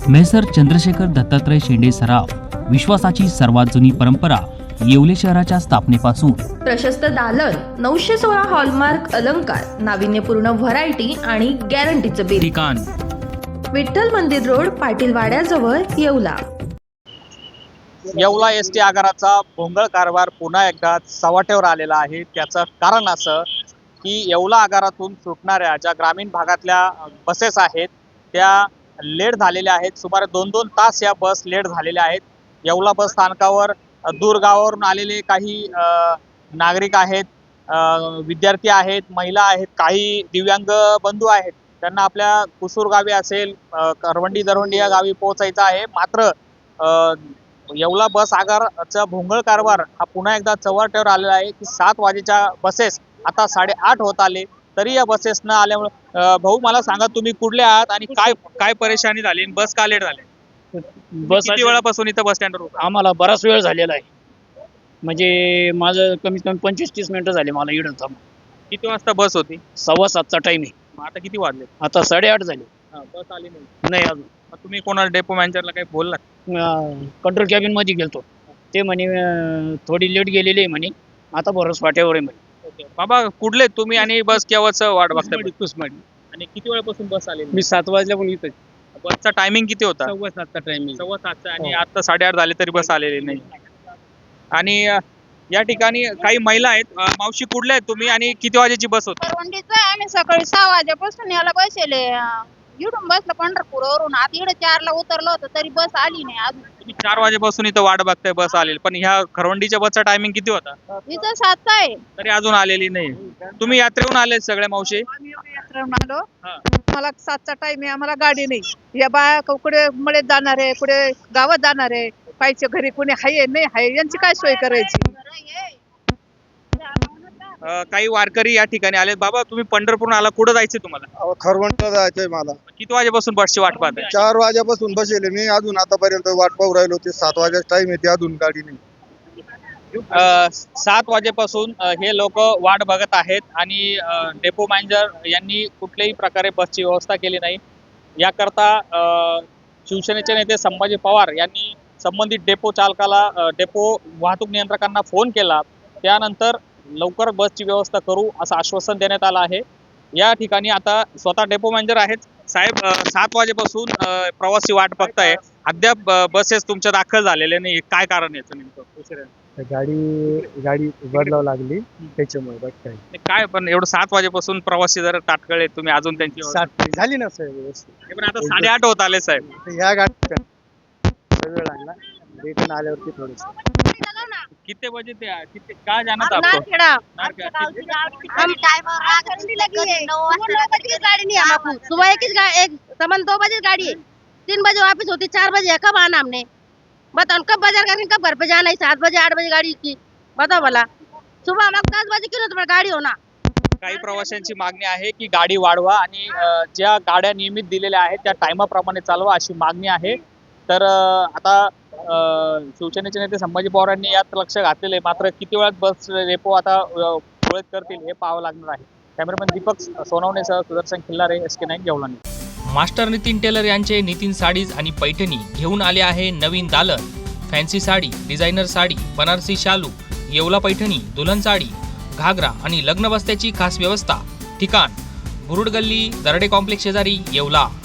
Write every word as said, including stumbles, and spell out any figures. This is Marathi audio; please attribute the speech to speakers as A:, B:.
A: मेसर चंद्रशेखर दत्तात्रय शेंडे सराफ, विश्वासाची सर्वात जुनी परंपरा येवले शहराच्या स्थापनेपासून
B: प्रशस्त दालन, नऊशे सोळा हॉलमार्क अलंकार, नाविन्यपूर्ण व्हरायटी आणि गॅरंटीचं बिल.
A: ठिकाण
B: विठ्ठल मंदिर रोड, पाटील वाड्याजवळ, येवला.
C: येवला एस टी आगाराचा भोंगळ कारभार पुन्हा एकदा चव्हाट्यावर आलेला आहे. त्याचं कारण असं की येवला आगारातून सुटणाऱ्या ज्या ग्रामीण भागातल्या बसेस आहेत त्या लेट झालेल्या आहेत. सुमारे दोन दोन तास या बस लेट झालेल्या आहेत. येवला बस स्थानकावर दूर गावावरून आलेले काही नागरिक आहेत, विद्यार्थी आहेत, महिला आहेत, काही दिव्यांग बंधू आहेत. त्यांना आपल्या कुसूर गावी असेल, करवंडी दरवंडी या गावी पोहोचायचं आहे. मात्र येवला बस आगाराचा भोंगळ कारभार हा पुन्हा एकदा चव्हाट्यावर आलेला आहे की सात वाजेच्या बसेस आता साडेआठ होत आले तरी या बसेस न आल्यामुळे. भाऊ, मला सांगा, तुम्ही कुठले आहात आणि काय काय परेशानी झाली, बस का लेट झाले? बस किती वेळापासून इथं बस स्टँडवर?
D: आम्हाला बराच वेळ झालेला आहे. म्हणजे माझं कमीत कमी पंचवीस तीस मिनिटं झाले मला इकडं थांब.
C: किती वाजता बस होती?
D: सव्वा सातचा टाइम आहे.
C: आता किती वाजले?
D: आता साडेआठ झाले.
C: बस आली नाही?
D: नाही अजून.
C: तुम्ही कोणाला डेपो मॅनेजरला काही बोललात?
D: कंट्रोल कॅबिन मध्ये गेलतो. ते म्हणे अं, थोडी लेट गेलेली आहे म्हणे, आता बरंच वाट्यावर आहे म्हणे.
C: बाबा, कुठले तुम्ही आणि बस केव्हाच वाट बघताय?
D: कुसमाडी.
C: आणि किती वेळापासून बस आली?
D: मी सात वाजल्या पण इथं.
C: बसचा टायमिंग किती होता?
D: सव्वा सातचा टायमिंग.
C: सव्वा सातचा. आणि
D: हो.
C: आता साडेआठ झाले तरी बस आलेली नाही. आणि अं, या ठिकाणी काही महिला आहेत. अं, मावशी, कुठल्या आहेत तुम्ही आणि किती वाजेची बस होती?
E: करवंडीचा आम्ही सकाळी सहा वाजेपासून याला बसले. इकडून बसलं पंढरपूरवरून. आता इकडे चारला उतरलो होतं तरी बस आली नाही अजून.
C: तुम्ही चार वाजेपासून इथं वाट बघताय बस आलेली, पण ह्या खरवंडीच्या बसचा टायमिंग किती होता?
E: इथं सातचा आहे.
C: तरी अजून आलेली नाही. तुम्ही यात्रेहून आले सगळ्या मावशी?
E: आम्ही यात्रेहून आलो.
C: हा.
E: मला सातचा टाइम आहे, आम्हाला गाडी नाही. या बाया कुठे मळ्यात जाणार आहे, कुठे गावात जाणार आहे, पाहिजे घरी कुणी हाय नाही हाय, यांची काय सोय करायची?
C: अं, काही वारकरी या ठिकाणी आले. बाबा, तुम्ही पंढरपूरहून आला, कुठं जायचंय तुम्हाला?
F: खरवंटला जायचंय मला.
C: किती वाजेपासून बसची वाट पाहताय?
F: चार वाजेपासून बसेले मी, अजून आतापर्यंत वाट पाहू राहिलो. ते सात वाजेचा टाइम येते, अजून गाडी नाही.
C: अ, सात वाजेपासून अ, हे लोक वाट बघत आहेत आणि अ, डेपो मॅनेजर यांनी कुठल्याही प्रकारे बसची व्यवस्था केली नाही. याकरता अ, शिवसेनेचे नेते संभाजी पवार यांनी संबंधित डेपो चालकाला, अ, डेपो वाहतूक नियंत्रकांना फोन केला. त्यानंतर लवकर बसची व्यवस्था करू असं आश्वासन देण्यात आलं आहे. या ठिकाणी आता स्वतः डेपो मॅनेजर आहेत. साहेब, अ, सात वाजेपासून अ, प्रवासी वाट बघताय, अद्याप अ, बसेस तुमच्या दाखल झालेले नाही. काय कारण याचं नेमकं? उशिरा
G: गाडी गाडी बदलावं लागली त्याच्यामुळे. बघ काय
C: काय, पण एवढं सात वाजेपासून प्रवासी जर ताटकळे, तुम्ही अजून त्यांची व्यवस्था-
G: सात झाली ना साहेब व्यवस्थित.
C: हे पण आता साडेआठ होत आले साहेब.
G: ह्या गाडीत वेळ लागला, रिटर्न आल्यावरती थोडस.
E: कितने
C: बजे थे? कितने कहाँ जाना था आपको?
E: नारखेड़ा।
C: नारखेड़ा।
E: हम गाड़ी नहीं है हमको। सुबह एक ही गा- एक समन दो बजे गाड़ी है, तीन बजे वापस होती, चार बजे है। कब आना हमने? बताओ, कब बाजार करके कब घर पे जाना है? सात बजे आठ बजे गाड़ी की बताओ भला। सुबह हम दस बजे क्यों तुम्हारी गाड़ी होना?
C: काही प्रवाशांची मागणी आहे की गाडी वाढवा आणि अ, ज्या गाड्या नियमित दिलेल्या आहेत त्या टायमाप्रमाणे चालवा अशी मागणी आहे. तर अ, आता अ, शिवसेनेचे नेते संभाजी पवार यांनी यात लक्ष घातलेले. मात्र किती वेळात बस रेपो आता अ, सुरळीत करतील हे पाहावं लागणार आहे. कॅमेरामॅन दीपक सोनवणेसह Sudarshan Khillare, S K nine, Yeola.
A: Master Nitin tailor यांचे नितीन साडीज आणि पैठणी घेऊन आले आहे नवीन दालन. फॅन्सी साडी, डिझायनर साडी, बनारसी शालू, येवला पैठणी, दुल्हन साडी, घागरा आणि लग्न बस्त्याची खास व्यवस्था. ठिकाण: बुरुड गल्ली, दरडे कॉम्प्लेक्स शेजारी, येवला.